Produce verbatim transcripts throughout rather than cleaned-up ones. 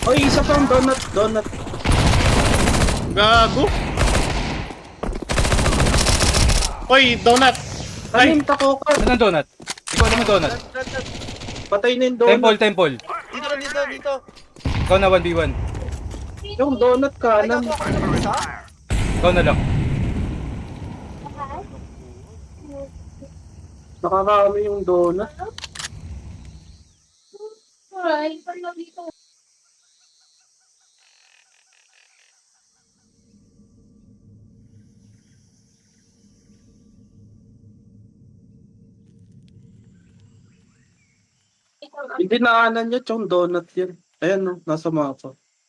Oy, isa pang donut, donut. Gago. Hoy, donut. Ay, Kanin, takokan. Ano ang donut? Hindi ko alam ang donut. Run, run, run. Patay na yung Temple, donut. temple. Dito na, dito, dito. Ikaw na one v one. Yung donut Ay, kanan. gago ako na isa. Ikaw na lang. Nakakami yung donut. Alright, pag dito. Hindi naanan niya yung donut yan. Ayan no, nasa mapa.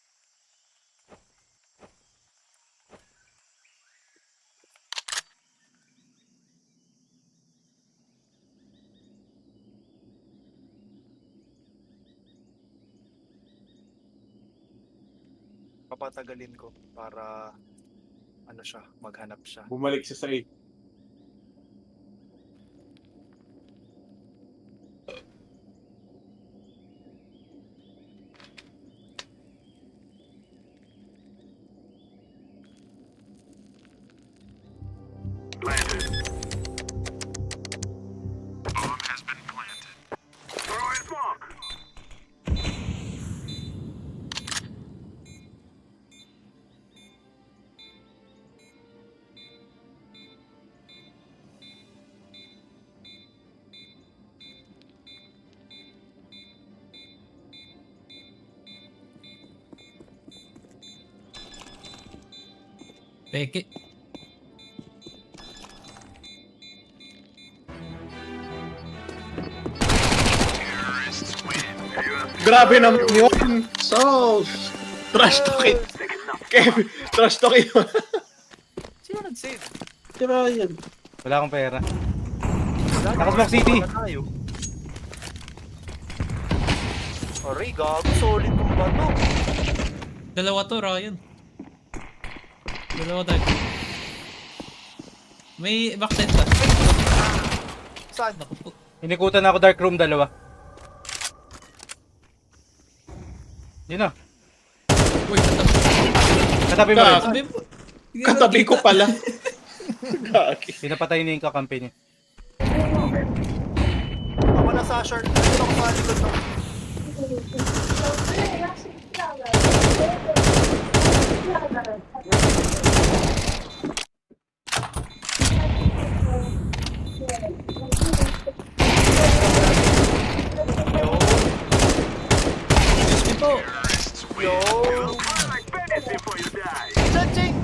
Papatagalin ko para ano siya, maghanap siya. bumalik siya sa A. Peke. Grabe naman yun. So, Trash talking. Kevin, trash talking. Sino nag-save? tira yan. Wala akong pera. Nakasmoke city. Wala tayo. Aray, gago. Solid tong bato. Dalawa to, Ryan. Dalawa tayo. May backside pa. Saan? Naku po. Inikutan ako dark room dalawa. Yun na. Uy, katabi. Katabi mo rin. Katabi mo. Hindi Katabi naman ko kita. pala. Gagi. Pinapatay na yung kakampi niya. Ako nasa short. Dito ako sa likod ng... Diyos ko po. Yo! Stretching!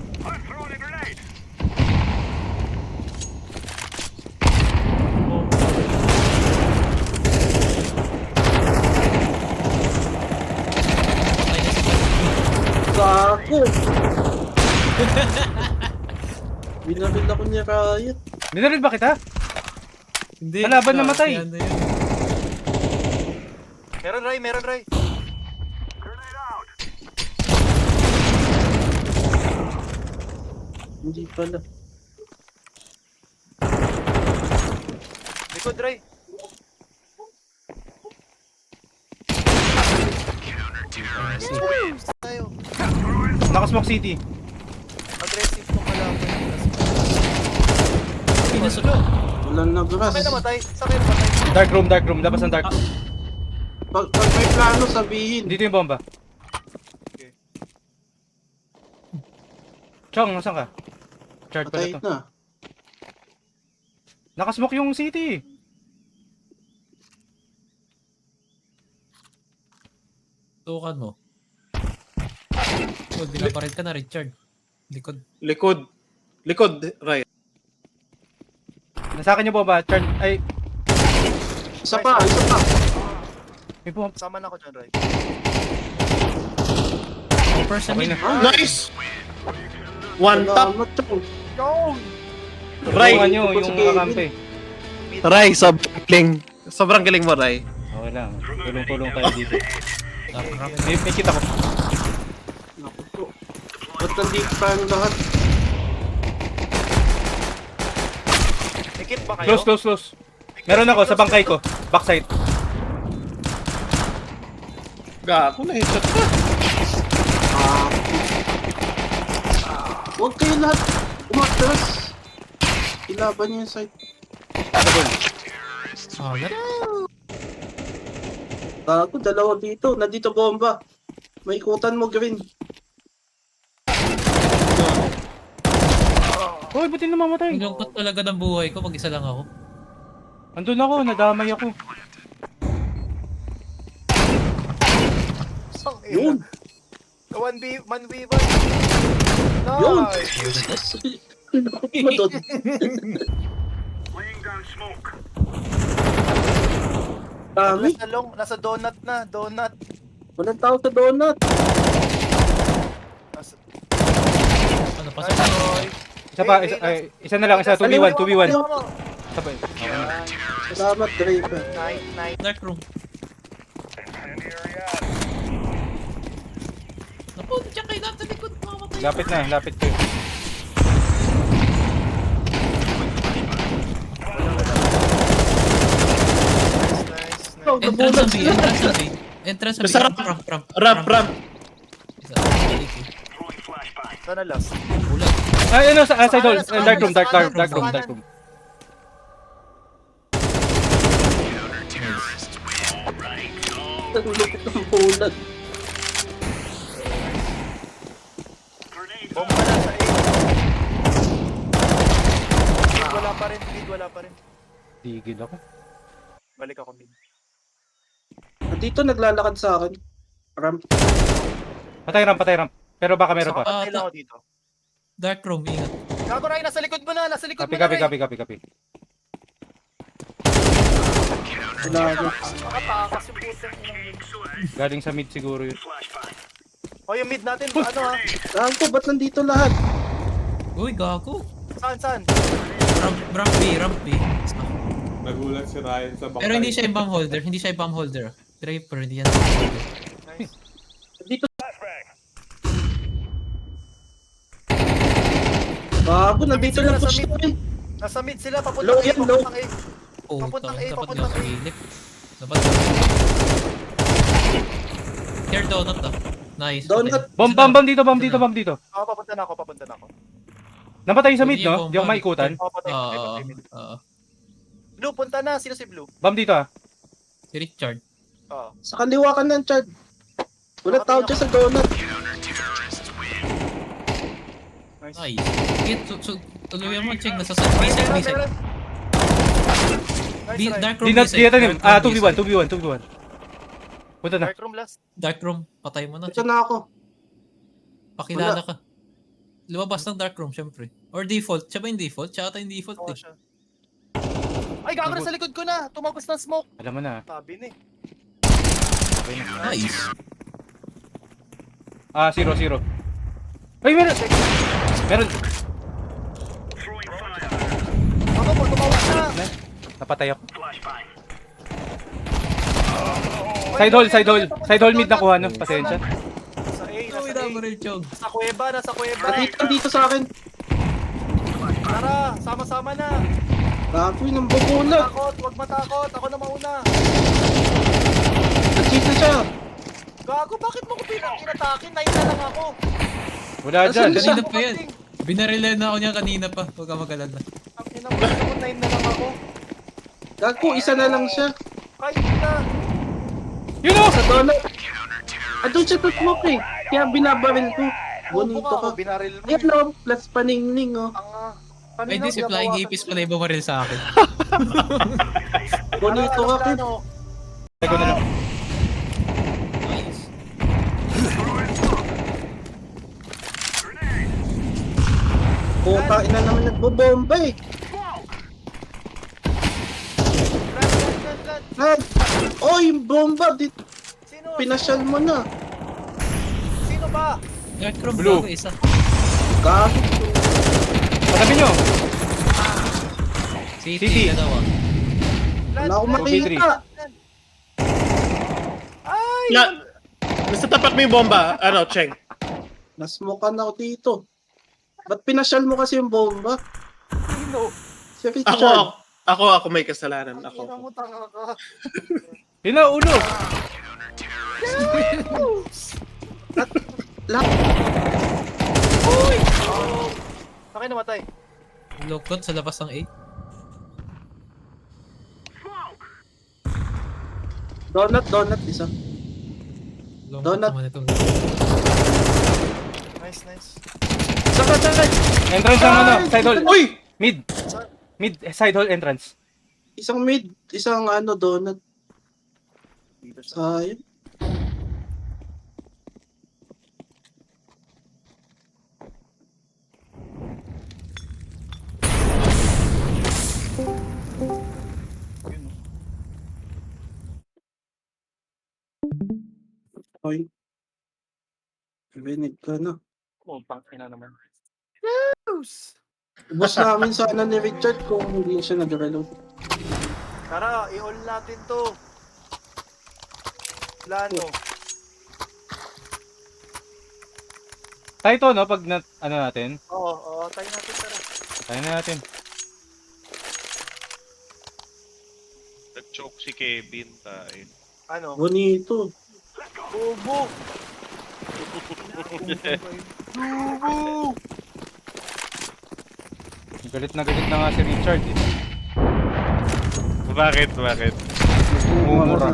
Patay na si Gago. Binaril ako niya Riot. Dinaril ba kita? Hindi. Kalaban namatay. Yan na yun. Meron, Ray. Meron, Ray. Hindi pala. Likod, Ray. Tayo. Nakasmoke city. Aggressive tong kalaban. Pinasulo. Walang nagras. Saan kayo namatay? Saan kayo namatay? Dark room, dark room. Labas ng dark room. Pag, pag may plano sabihin. Dito yung bomba. Okay. Chong, nasan ka? Charge pala Patay to. na. Nakasmoke yung city. Tukan mo. Uy, binaparil ka na, Richard. Likod. Likod. Likod, Ray. Nasa akin yung bomba. Charge. Ay, Isa pa, isa pa. may bomba. Sama na ako dyan, Ray. Person Okay in. na. Nice! One tap. Salamat, Chong. Yo! Ray. Tulungan nyo Tungkol sa yung Kevin. kakampi. Ray, sobrang galing. Sobrang galing mo, Ray. Okay lang. Tulong-tulong tayo dito. Dark rock. May, may kita ko. Naku po. Ba't nandito tayong lahat? Ikit ba kayo? Close, close, close. Meron ako sa bangkay ko. Backside. Gago na headshot pa. Ah. Huwag kayo lahat umatras. Ilaban niyo yung site. Ah, gano'n. Gago, dalawa dito. Nandito bomba. May ikutan mo, Green. Hoy, ba't yung namamatay? Ang lungkot talaga ng buhay ko pag isa lang ako. Andun ako, nadamay ako. Sang Yun. ina. one v one v one. Yun. Nice. Mo doon. Dami. Nasa long, nasa donut na, donut. Walang tao sa donut. Nasa, Ano, Nice, pasok na yun. Roy. Isa pa, Eh, isa, eh, ay, isa na lang, isa, two v one, two v one. Ayaw mo. Isa pa. Yan. Salamat, Draper. Night, night. Dark room. Naku, diyan kayo nasa likod. Mamamatay. Lapit na, lapit kayo. Nice, nice, nice. Oh, Entrance nabulag sa B, sila. entrance sa B. Entrance sa B. Basta Ramp, ramp, ramp. Ramp, ramp. Isa, balik eh. Sana last. Bulag. Ay, ano, sa, ah, side hall. Sa Eh, dark room, dark, dark, kanan, dark sa room, kanan. dark room. Ang lupit ng bulag. Bomba na sa A. Mid wala pa rin, mid wala pa rin. Tigil ako. Balik ako mid. Dito naglalakad sa akin. Ramp. Patay ramp, patay ramp. Pero baka meron pa. Ah, Patay lang ako dito. Dark room, ingat. Gago Ray, nasa likod mo na, nasa likod Copy, mo na copy, Ray. copy, copy, copy. Wala ako. Makatakas yung putang inang yun. Galing sa mid siguro yun. O yung mid natin, ano ha? Gago, ba't nandito lahat? Uy, gago. Saan, saan? Ramp, ramp B, ramp B. Ah. Nagulat si Ryan sa bakay. Pero hindi siya yung bomb holder, hindi siya yung bomb holder. Draper, hindi yan. Nice. Dito. Gago, nandito sila, na nasa push mid. namin. Nasa mid sila, Low papuntang A, yan, low. papuntang A. Oh, Papuntang A, dapat papuntang nga sa A. gilip. Dapat Here donut ah. Nice. Donut. Bomb, bomb, bomb dito, bomb dito, bomb dito. Oo, papunta na ako, papunta na ako. Namatay sa mid, Hindi yung no? bomb, Di ako bomb. maikutan. Oo, patay, Oo, patay, oo, patay, mid. oo. Blue, punta na. Sino si Blue? Bomb dito ah. Si Richard. Oo. Sa kaliwa ka ng Chad. Wala tao dyan sa donut. Nice. Nice. Sige, tu- tu- tuloy mo, check. Nasa side. B side, B side. Nice, B- Ray. Dark room, Di B na, side. di natin Dark room, Ah, B two v one, side. two v one, two v one. Punta na. Dark room last. Dark room, patay mo na. Ito Check. na ako. Pakilala ka. Lumabas ng dark room, syempre. Or default. Siya ba yung default? Siya ata yung default Oo eh. siya. Ay, gago na sa likod ko na. Tumagos ng smoke. Alam mo na. Sabi ni. Nice. Ah, zero, zero. Ay, meron! Meron! Ako po, tumawag na. Napatay ako. Side hall, side hall. Side hall mid nakuha, no? Pasensya. Sa A, Uy, nasa A. double chog. Nasa kuweba, nasa kuweba. Nandito, dito sa akin. Tara, sama-sama na. Gago, yung bubulag. Takot, huwag matakot. Ako na mauna. Nag-cheat na siya. Gago, bakit mo ko pinag-inatake? Nine na lang ako. Wala Nasaan dyan. na siya? Kanina pa yan. Binarilan na ako niya kanina pa. Huwag ka mag-alala. Ang ina mo, ako nine na lang ako. Gago, isa na lang siya. Kahit na. Yun o! Sa donut. Andun siya sa smoke eh. Kaya binabaril ko. Bubo Bonito ka, ka. oh, binaril mo. Ayan o, plus paningning oh. Ang ah. Ay, di si Flying Apis pala yung bumaril sa akin. Bonito ka, Kid. Teko na lang. Nice. Puta, ina naman nagbobomba eh. Nad! Oh, yung bomba! Di, Sino? pinasyal mo na. Sino ba? Dark room, Blue. bago isa. Gago. Patabi nyo! City, City. dalawa. Wala akong two v three. makita. Ay! Na, nasa tapat mo yung bomba. Ano, Cheng? Nasmokan ako dito. Ba't pinasyal mo kasi yung bomba? Sino? Si Richard. Ako, ako, ako, ako may kasalanan. Ang ina mo, Ako. tanga ka. Yun na, ulo! Akin namatay. Lukot sa labas ng eight. Donut, donut, isa. Lungkot Donut. naman itong Nice, nice. Saka, saka. Entrance ng ano, side hall. Uy! Mid. Mid, eh, side hall entrance. Isang mid, isang ano, donut. Dito sa... Sayang. Hoy. Binig ka na. Oh, pangina naman. Ubus namin sana ni Richard kung hindi siya nag-reload. Tara, i-all natin to. Plano. Tayo to, no? Pag na, ano natin. Oo, oo, tayo natin, tara. Tayo na natin. Nag-choke si Kevin tayo. Ano? Bonito. Bobo! Bobo! Galit na galit na nga si Richard eh. Bakit? Bakit? Mumura.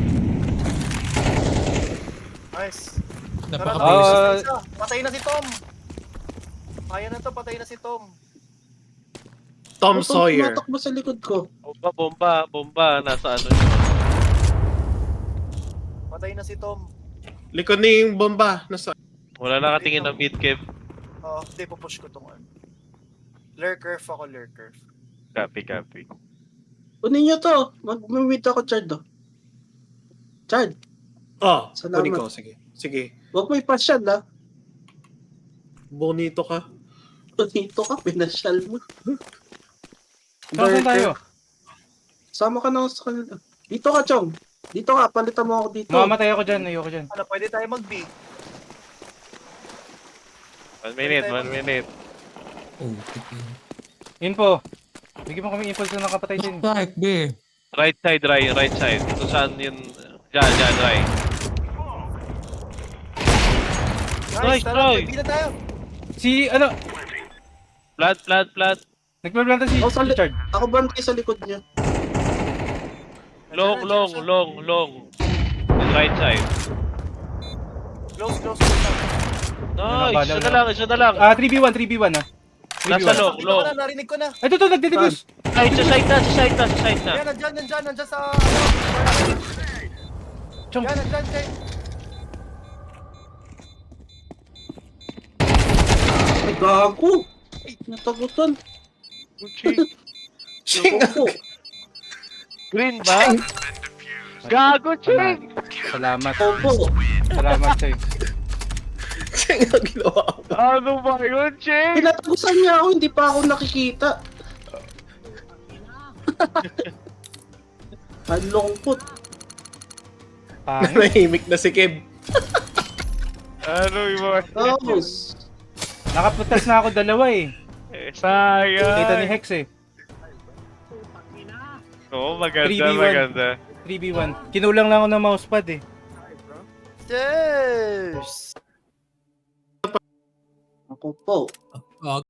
Nice. Tara, napaka-basic. Ah, isa. Patay na si Tom. Kaya na to, patay na si Tom. Tom Ito, Sawyer. tumatakbo sa likod ko. Bomba, bomba, bomba. Nasa ano yun? Patay na si Tom. Likod ni yung bomba. Nasa... Wala nakatingin ng mid Kev. Oo, hindi, pupush ko tong ano. Lurker ako, lurker. Copy, copy. Kunin nyo to. Mag-meet ako, Chard. Oh. Chard, Oh, Salamat. kunin ko. Sige. Sige. huwag mo ipasyal, ha. Bonito ka. Bonito ka, pinasyal mo. saan tayo? Sama ka na sa kanila. Dito ka, Chong. Dito ka, palitan mo ako dito. Mamamatay ako dyan, ayoko dyan. Ano, pwede tayo mag-B. One minute, one minute. Oh, tikin. Info. Bigyan mo kami info sa nakapatay din. Back, B. Right side, right, right side. Kung saan yun... Diyan, diyan, right. Nice, Nice, tara, try. mag-B na tayo. Si, ano, Plant, plant, plant. nagpaplanta si Oh, sa li- Richard. Ako bantay sa likod niya. Long, long, long, long. Yung right side. Close, close, close. Nice, isa na lang, isa na lang. Ah, three v one, three v one ah. three v Nasa one. long, Dito ko long. na, narinig ko na. Ay, ito, ito, nagdedebus. Ay, sa side na, sa side na, sa side na. Yan, nandyan, nandyan, nandyan sa... Ano, Chong. yan, nandyan, Jay. Ay, gago. Ay, natagutan. Ching! Naku. Green ba? Gago, Ching! Salamat. Opo. Salamat sa'yo. Ching ang ginawa ko. Ano ba yun, Ching? Pinatagusan niya ako, hindi pa ako nakikita. Ang lungkot. Pangit. Nahimik na si Kev. Ano yung mga... Tapos, Nakaputas na ako dalawa eh. Eh, sayang. Kita ni Hex eh. Oo, three v maganda, one. maganda. three v one. Kinulang lang ako ng mousepad eh. Cheers! ako po. Ah,